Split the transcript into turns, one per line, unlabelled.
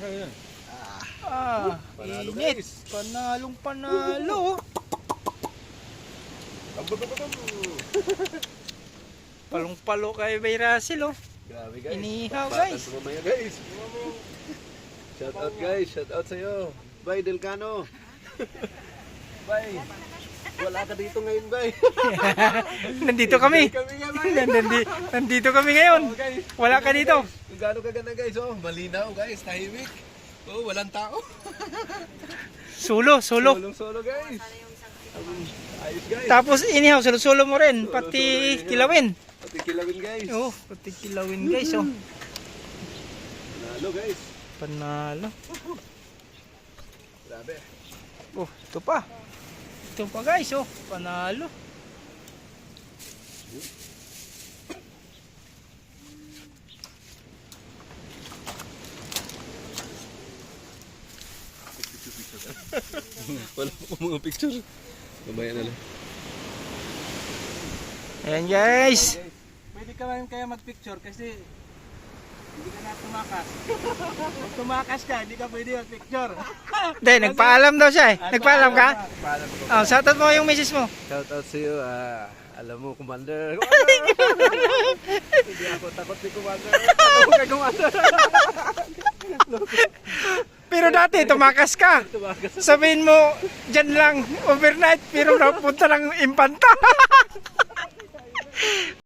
Ayan.
Panalo,
Init.
guys.
Panalong panalo. Palong-palo kay Bay Russell, oh.
Grabe guys.
Inihaw,
Pakpatan
guys.
sa mamaya guys. Shout out guys. Shout out sa'yo. Bay Delcano. Bay. Wala ka dito ngayon, Bay.
Nandito kami.
Kami nga, Bay.
Nandito kami ngayon.
Oh, guys.
Wala ka dito.
Kung gaano kaganda guys. Oh, malinaw guys. Tahimik. Oh, walang tao.
Solo.
Solo guys. Ayos guys.
Tapos inihaw, solo mo rin. Pati
Solo-solo, inihaw.
kilawin.
Pati kilawin guys.
Oh, pati kilawin guys, oh.
Panalo guys.
Panalo.
Grabe.
Oh, ito pa. Ito pa guys, oh. Panalo.
Wala po mga picture. Mamaya na lang.
Ayan guys.
Pwede ka rin kaya mag-picture kasi hindi ka na tumakas. Kung tumakas ka, hindi ka pwede mag-picture.
Hindi, nagpaalam daw siya eh. Nagpaalam ka?
Paalam ko.
Oh, shoutout mo yung misis mo.
Shout out sa iyo. Alam mo, Commander. Hindi ako takot ni Commander. Alam mo kay Commander.
Pero dati, tumakas ka.
Tumakas.
Sabihin mo, dyan lang, overnight, pero napunta lang impanta.